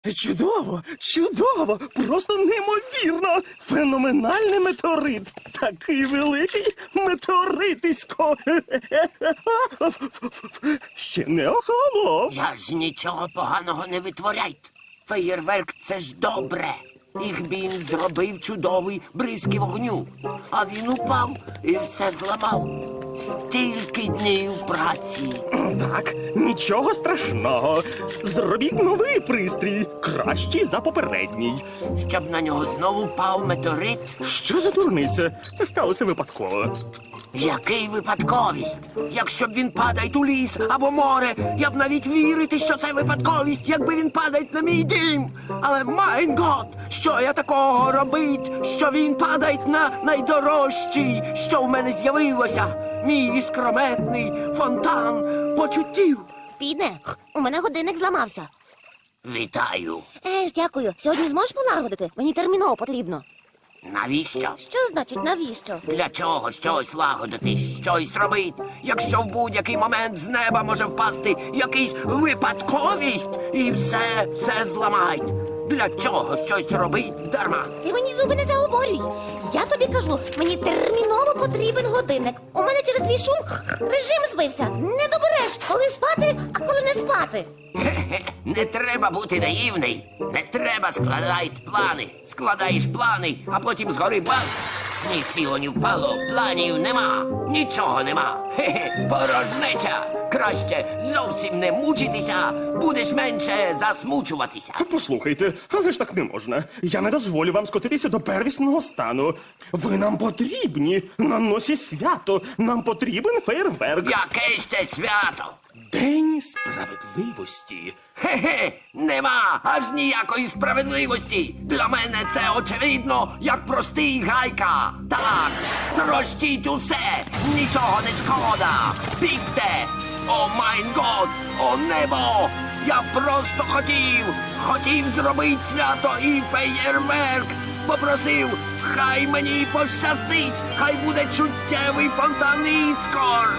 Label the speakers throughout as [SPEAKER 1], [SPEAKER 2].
[SPEAKER 1] Чудово, чудово, просто неймовірно. Феноменальний метеорит. Такий великий метеоритисько. Ще не охолонув.
[SPEAKER 2] Я ж нічого поганого не витворяйте. Феєрверк – це ж добре. Ігбін зробив чудовий бризки вогню. А він упав і все зламав. Стільки днів праці.
[SPEAKER 1] Так, нічого страшного. Зробіть новий пристрій, кращий за попередній.
[SPEAKER 2] Щоб на нього знову впав метеорит?
[SPEAKER 1] Що за дурниця? Це сталося випадково.
[SPEAKER 2] Який випадковість? Якщо б він падає у ліс або море, я б навіть вірити, що це випадковість, якби він падає на мій дім. Але, майн гот, що я такого робить, що він падає на найдорожчий, що в мене з'явилося? Мій іскрометний фонтан почуттів.
[SPEAKER 3] Піде, у мене годинник зламався.
[SPEAKER 2] Вітаю.
[SPEAKER 3] Дякую. Сьогодні зможеш полагодити? Мені терміново потрібно.
[SPEAKER 2] Навіщо?
[SPEAKER 3] Що значить навіщо?
[SPEAKER 2] Для чого щось лагодити, щось робити, якщо в будь-який момент з неба може впасти якийсь випадковість і все зламають? Для чого щось робить дарма?
[SPEAKER 3] Ти мені зуби не заговорюй. Я тобі кажу, мені терміново потрібен годинник. У мене через твій шум режим збився. Не добереш, коли спати, а коли не спати.
[SPEAKER 2] Хе-хе, не треба бути наївний. Не треба складати плани. Складаєш плани, а потім згори бац. Ні сіло, ні впало, планів нема. Нічого нема. Хе-хе, порожнеча. Краще зовсім не мучитися, будеш менше засмучуватися.
[SPEAKER 1] Послухайте, але ж так не можна. Я не дозволю вам скотитися до первісного стану. Ви нам потрібні. На носі свято. Нам потрібен фейерверк.
[SPEAKER 2] Яке ще свято?
[SPEAKER 1] День справедливості.
[SPEAKER 2] Хе-хе, нема аж ніякої справедливості. Для мене це очевидно, як простий гайка. Так, трощіть усе, нічого не шкода. Бігте! О майн год, о небо! Я просто хотів зробити свято і феєрверк. Попросив, хай мені пощастить, хай буде чуттєвий фонтан іскор.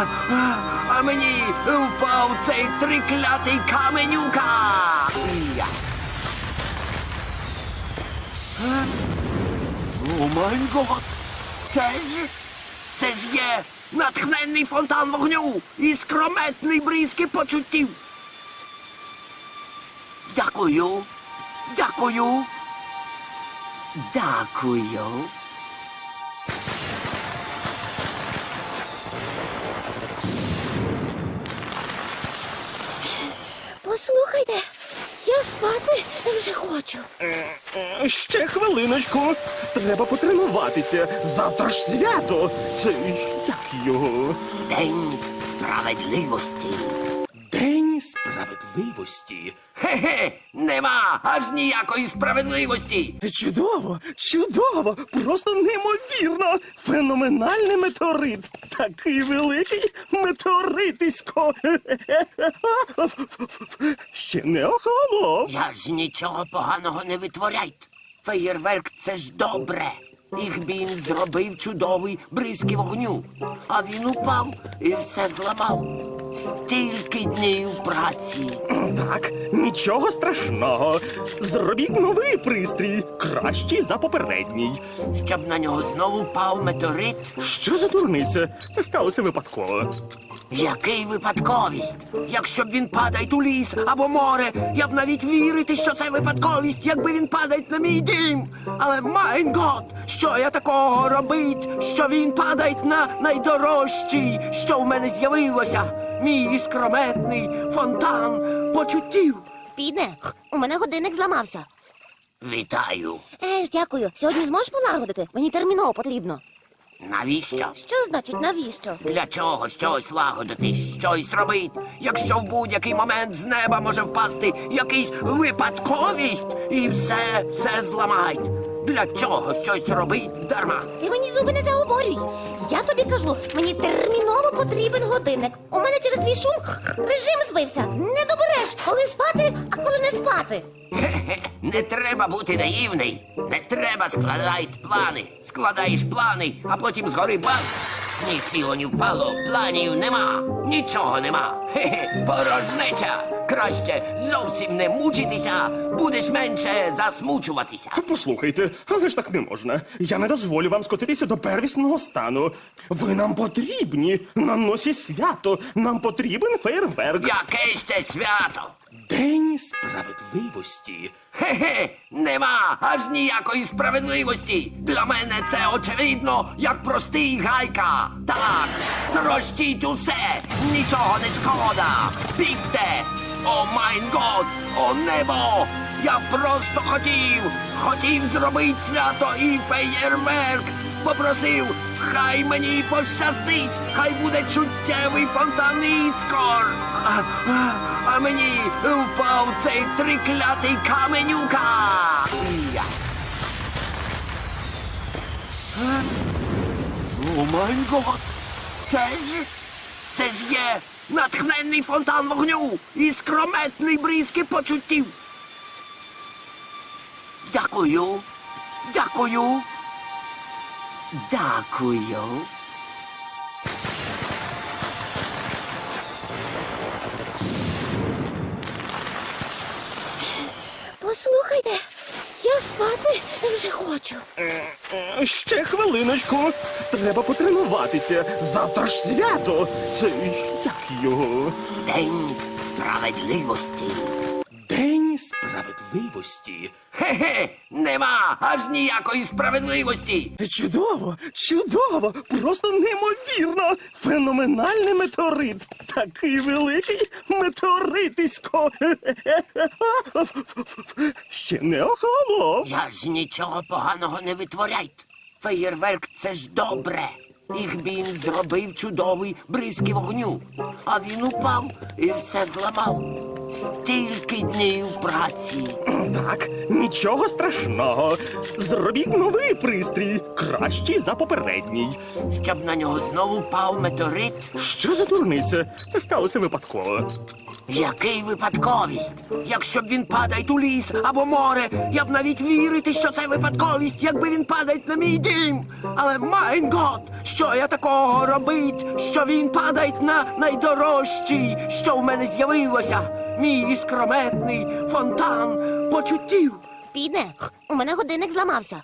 [SPEAKER 2] А мені впав цей триклятий каменюка. Я. О май гот! Це ж є натхненний фонтан вогню і скрометний бризки почуттів. Дякую. Дякую. Дякую.
[SPEAKER 3] Послухайте, я спати вже хочу.
[SPEAKER 1] Ще хвилиночку. Треба потренуватися. Завтра ж свято. Це як його?
[SPEAKER 2] День справедливості.
[SPEAKER 1] День справедливості.
[SPEAKER 2] Хе-хе, нема аж ніякої справедливості.
[SPEAKER 1] Чудово, чудово, просто неймовірно. Феноменальний метеорит. Такий великий метеоритисько. Ще не охолонув.
[SPEAKER 2] Я ж нічого поганого не витворяйте. Феєрверк – це ж добре. Ігбін зробив чудовий бризки вогню. А він упав і все зламав. Стільки днів праці.
[SPEAKER 1] Так, нічого страшного. Зробіть новий пристрій, кращий за попередній.
[SPEAKER 2] Щоб на нього знову впав метеорит?
[SPEAKER 1] Що за дурниця? Це сталося випадково.
[SPEAKER 2] Який випадковість? Якщо б він падає у ліс або море, я б навіть вірити, що це випадковість, якби він падає на мій дім. Але, майн гот, що я такого робить, що він падає на найдорожчий, що в мене з'явилося? Мій іскрометний фонтан почуттів.
[SPEAKER 3] Піде, у мене годинник зламався.
[SPEAKER 2] Вітаю.
[SPEAKER 3] Дякую. Сьогодні зможеш полагодити? Мені терміново потрібно.
[SPEAKER 2] Навіщо?
[SPEAKER 3] Що значить навіщо?
[SPEAKER 2] Для чого щось лагодити, щось робити, якщо в будь-який момент з неба може впасти якийсь випадковість і все зламають? Для чого щось робить дарма?
[SPEAKER 3] Ти мені зуби не заговорюй. Я тобі кажу, мені терміново потрібен годинник. У мене через твій шум режим збився. Не добереш, коли спати, а коли не спати.
[SPEAKER 2] Хе-хе, не треба бути наївний. Не треба складати плани. Складаєш плани, а потім згори бац. Ні сіло, ні впало, планів нема. Нічого нема. Хе-хе, порожнеча. Краще зовсім не мучитися, будеш менше засмучуватися.
[SPEAKER 1] Послухайте, але ж так не можна. Я не дозволю вам скотитися до первісного стану. Ви нам потрібні на носі свято. Нам потрібен фейерверк.
[SPEAKER 2] Яке ще свято?
[SPEAKER 1] День справедливості.
[SPEAKER 2] Хе-хе, нема аж ніякої справедливості. Для мене це очевидно, як простий гайка. Так, трощіть усе, нічого не шкода. Бігте! О майн год, о небо! Я просто хотів зробити свято і феєрверк. Попросив, хай мені пощастить, хай буде чуттєвий фонтан іскор. А мені впав цей триклятий каменюка. Я. О май гот! Це ж є натхненний фонтан вогню і скрометний бризки почуттів. Дякую. Дякую. Дякую.
[SPEAKER 3] Послухайте, я спати вже хочу.
[SPEAKER 1] Ще хвилиночку. Треба потренуватися. Завтра ж свято. Це як його?
[SPEAKER 2] День справедливості.
[SPEAKER 1] День справедливості.
[SPEAKER 2] Хе-хе, нема аж ніякої справедливості.
[SPEAKER 1] Чудово, чудово, просто неймовірно. Феноменальний метеорит. Такий великий метеоритисько. Ще не охолонув.
[SPEAKER 2] Я ж нічого поганого не витворяйте. Феєрверк — це ж добре. Їх він зробив чудовий бризки вогню. А він упав і все зламав. Стільки днів праці.
[SPEAKER 1] Так, нічого страшного. Зробіть новий пристрій, кращий за попередній.
[SPEAKER 2] Щоб на нього знову впав метеорит.
[SPEAKER 1] Що за дурниця? Це сталося випадково.
[SPEAKER 2] Який випадковість? Якщо б він падає у ліс або море, я б навіть вірити, що це випадковість, якби він падає на мій дім. Але майн гот, що я такого робить, що він падає на найдорожчий, що в мене з'явилося. Мій іскрометний фонтан почуттів.
[SPEAKER 3] Піде, у мене годинник зламався.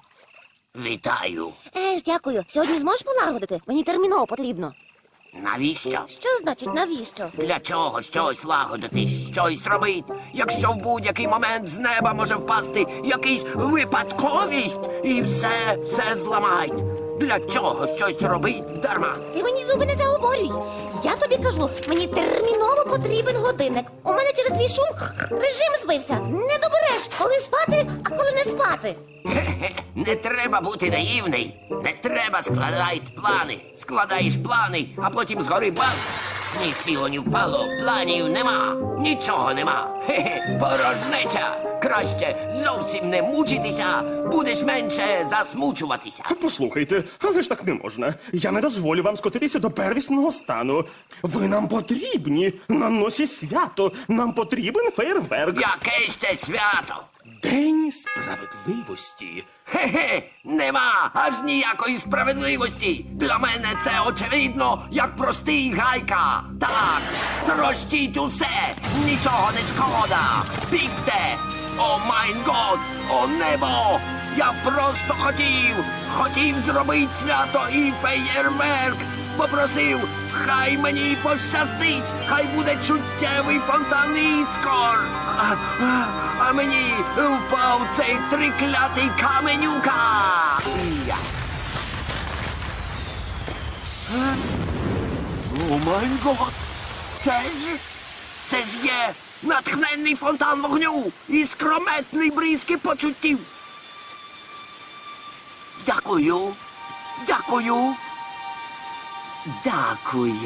[SPEAKER 2] Вітаю.
[SPEAKER 3] Дякую. Сьогодні зможеш полагодити? Мені терміново потрібно.
[SPEAKER 2] Навіщо?
[SPEAKER 3] Що значить навіщо?
[SPEAKER 2] Для чого щось лагодити, щось робити, якщо в будь-який момент з неба може впасти якийсь випадковість і все зламають? Для чого щось робить дарма?
[SPEAKER 3] Ти мені зуби не заговорюй. Я тобі кажу, мені терміново потрібен годинник. У мене через твій шум режим збився. Не добереш, коли спати, а коли не спати.
[SPEAKER 2] Хе-хе, не треба бути наївний. Не треба складати плани. Складаєш плани, а потім згори бац. Ні сіло, ні впало, планів нема. Нічого нема. Хе-хе, порожнеча. Краще зовсім не мучитися, будеш менше засмучуватися.
[SPEAKER 1] Послухайте, але ж так не можна. Я не дозволю вам скотитися до первісного стану. Ви нам потрібні на носі свято. Нам потрібен фейерверк.
[SPEAKER 2] Яке ще свято?
[SPEAKER 1] День справедливості.
[SPEAKER 2] Хе-хе, нема аж ніякої справедливості. Для мене це очевидно, як простий гайка. Так, трощіть усе, нічого не шкода. Бігте! О майн год, о небо! Я просто хотів зробити свято і феєрверк. Попросив, хай мені пощастить, хай буде чуттєвий фонтан іскор. А мені впав цей триклятий каменюка. Я. О май гот! Це ж є натхненний фонтан вогню і скрометний бризки почуттів. Дякую. Дякую. Дякую.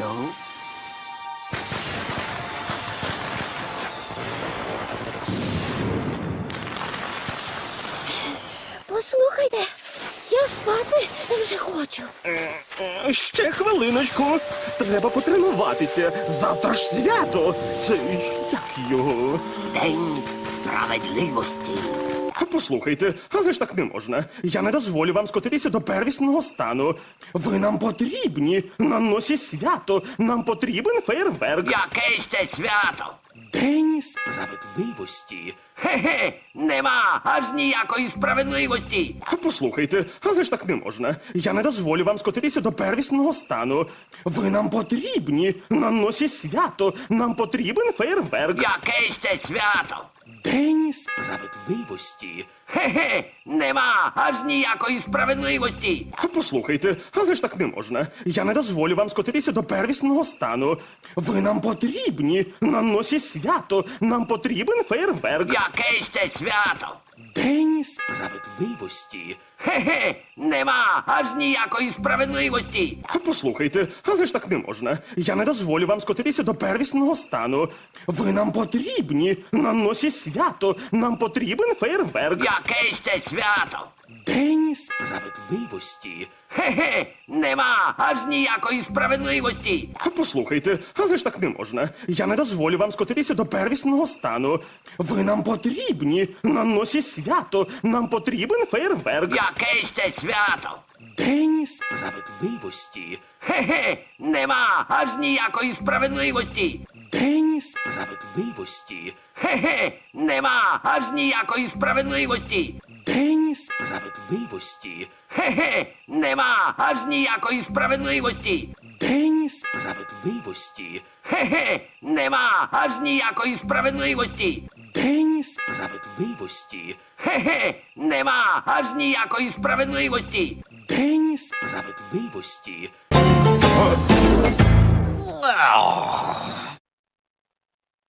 [SPEAKER 3] Послухайте, я спати вже хочу.
[SPEAKER 1] Ще хвилиночку. Треба потренуватися. Завтра ж свято. Це як його?
[SPEAKER 2] День справедливості.
[SPEAKER 1] Послухайте, але ж так не можна. Я не дозволю вам скотитися до первісного стану. Ви нам потрібні на носі свято. Нам потрібен фейерверк.
[SPEAKER 2] Яке ще свято?
[SPEAKER 1] День
[SPEAKER 2] Справедливості? Хе-хе, нема аж ніякої справедливості.
[SPEAKER 1] Послухайте, але ж так не можна. Я не дозволю вам скотитися до первісного стану. Ви нам потрібні на носі свято. Нам потрібен фейерверк.
[SPEAKER 2] Яке ще свято?
[SPEAKER 1] День
[SPEAKER 2] Справедливості? Хе-хе, нема аж ніякої справедливості.
[SPEAKER 1] Послухайте, але ж так не можна. Я не дозволю вам скотитися до первісного стану. Ви нам потрібні на носі свято. Нам потрібен фейерверк.
[SPEAKER 2] Яке ще свято?
[SPEAKER 1] День
[SPEAKER 2] Справедливості? Хе-хе, нема аж ніякої справедливості.
[SPEAKER 1] Послухайте, але ж так не можна. Я не дозволю вам скотитися до первісного стану. Ви нам потрібні на носі свято. Нам потрібен фейерверк.
[SPEAKER 2] Яке ще свято?
[SPEAKER 1] День
[SPEAKER 2] Справедливості? Хе-хе, нема аж ніякої справедливості.
[SPEAKER 1] Послухайте, але ж так не можна. Я не дозволю вам скотитися до первісного стану. Ви нам потрібні на носі свято. Нам потрібен фейерверк.
[SPEAKER 2] Яке ще свято?
[SPEAKER 1] День
[SPEAKER 2] Справедливості? Хе-хе, нема аж ніякої справедливості.
[SPEAKER 1] День
[SPEAKER 2] Справедливості? Хе-хе, нема аж ніякої справедливості.
[SPEAKER 1] День
[SPEAKER 2] Справедливості? Хе-хе, нема аж ніякої справедливості.
[SPEAKER 1] День
[SPEAKER 2] Справедливості? Хе-хе, нема аж ніякої справедливості.
[SPEAKER 1] День
[SPEAKER 2] Справедливості? Хе-хе, нема аж ніякої справедливості.
[SPEAKER 1] День
[SPEAKER 2] Справедливості?